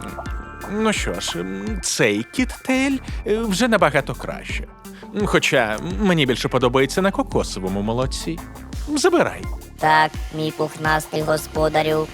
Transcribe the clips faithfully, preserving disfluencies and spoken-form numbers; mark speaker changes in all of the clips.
Speaker 1: Ну що ж, цей кіттейль е, вже набагато краще. Хоча мені більше подобається на кокосовому молоці. Забирай.
Speaker 2: Так, мій пухнастий господарю.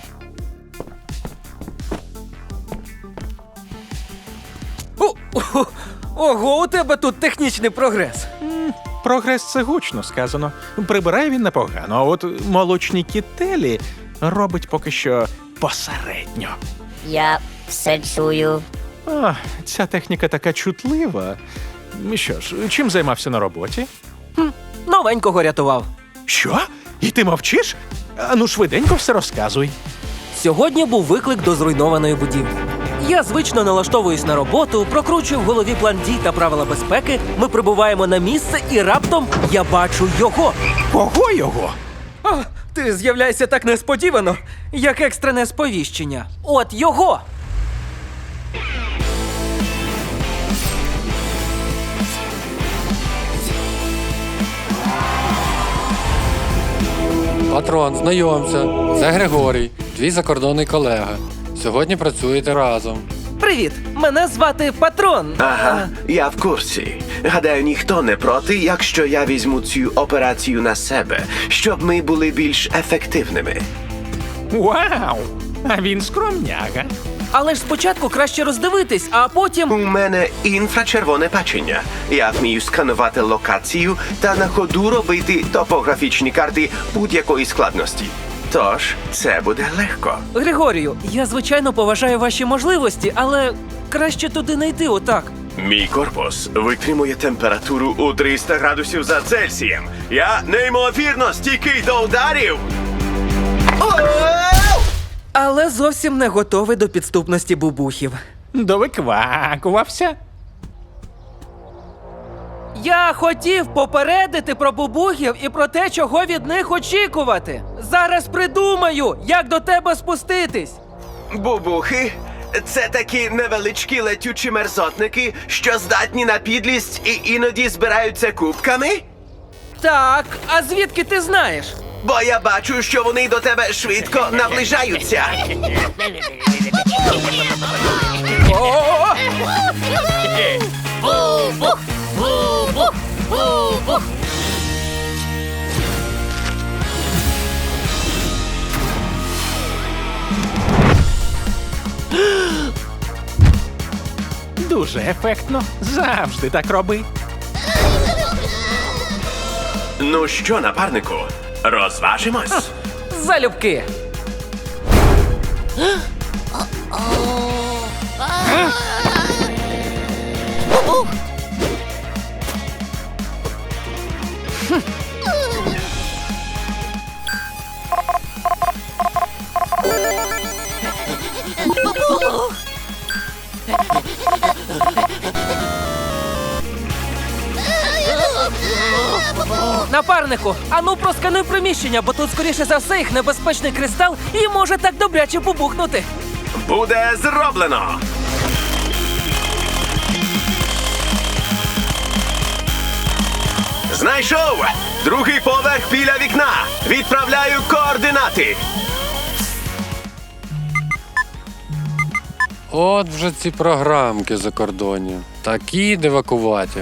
Speaker 3: О, о, ого, у тебе тут технічний прогрес.
Speaker 1: Прогрес — це гучно сказано. Прибирає він непогано, а от молочні кіттелі робить поки що посередньо.
Speaker 2: Я все чую.
Speaker 1: А, ця техніка така чутлива. Що ж, чим займався на роботі?
Speaker 3: Новенького рятував.
Speaker 1: Що? І ти мовчиш? Ану, швиденько все розказуй.
Speaker 3: Сьогодні був виклик до зруйнованої будівлі. Я звично налаштовуюсь на роботу, прокручую в голові план дій та правила безпеки. Ми прибуваємо на місце, і раптом я бачу його.
Speaker 1: Кого його?
Speaker 3: А, ти з'являєшся так несподівано, як екстрене сповіщення. От його!
Speaker 4: Патрон, знайомся. Це Григорій, твій закордонний колега. Сьогодні працюєте разом.
Speaker 3: Привіт! Мене звати Патрон.
Speaker 5: Ага, я в курсі. Гадаю, ніхто не проти, якщо я візьму цю операцію на себе, щоб ми були більш ефективними.
Speaker 1: Вау! А він скромняга.
Speaker 3: Але ж спочатку краще роздивитись, а потім.
Speaker 5: У мене інфрачервоне бачення. Я вмію сканувати локацію та на ходу робити топографічні карти будь-якої складності. Тож, це буде легко.
Speaker 3: Григорію, я звичайно поважаю ваші можливості, але краще туди не йти отак.
Speaker 5: Мій корпус витримує температуру у триста градусів за Цельсієм. Я неймовірно стійкий до ударів.
Speaker 3: Але зовсім не готовий до підступності бубухів.
Speaker 1: Довиквакувався.
Speaker 3: Я хотів попередити про бубухів і про те, чого від них очікувати. Зараз придумаю, як до тебе спуститись.
Speaker 5: Бубухи – це такі невеличкі летючі мерзотники, що здатні на підлість і іноді збираються кубками?
Speaker 3: Так, а звідки ти знаєш?
Speaker 5: Бо я бачу, що вони до тебе швидко наближаються.
Speaker 3: О!
Speaker 1: Дуже ефектно. Завжди так роби.
Speaker 5: Ну що, напарнику, розважимось?
Speaker 3: Залюбки. Напарнику, ану проскануй приміщення, бо тут, скоріше за все, їх небезпечний кристал і може так добряче побухнути.
Speaker 5: Буде зроблено! Знайшов! Другий поверх біля вікна! Відправляю координати!
Speaker 4: От вже ці програмки закордонні. Такі дивакуваті.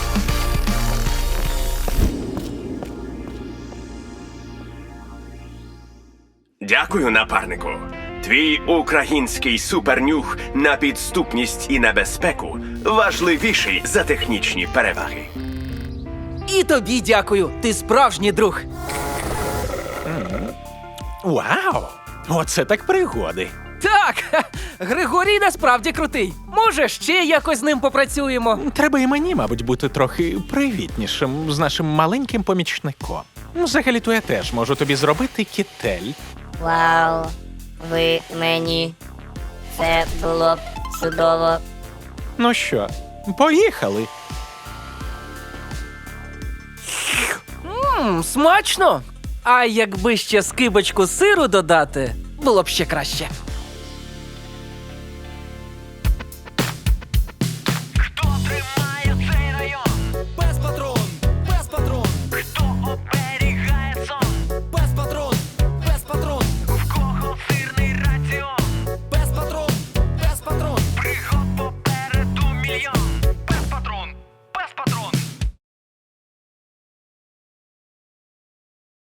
Speaker 5: Дякую, напарнику. Твій український супернюх на підступність і небезпеку важливіший за технічні переваги.
Speaker 3: І тобі дякую, ти справжній друг.
Speaker 1: Вау! Оце так пригоди.
Speaker 3: Так, ха, Григорій насправді крутий. Може, ще якось з ним попрацюємо.
Speaker 1: Треба і мені, мабуть, бути трохи привітнішим з нашим маленьким помічником. Взагалі-то я теж можу тобі зробити кіттель.
Speaker 2: Вау. Ви мені. Це було б чудово.
Speaker 1: Ну що, поїхали.
Speaker 3: Мм, смачно. А якби ще скибочку сиру додати, було б ще краще.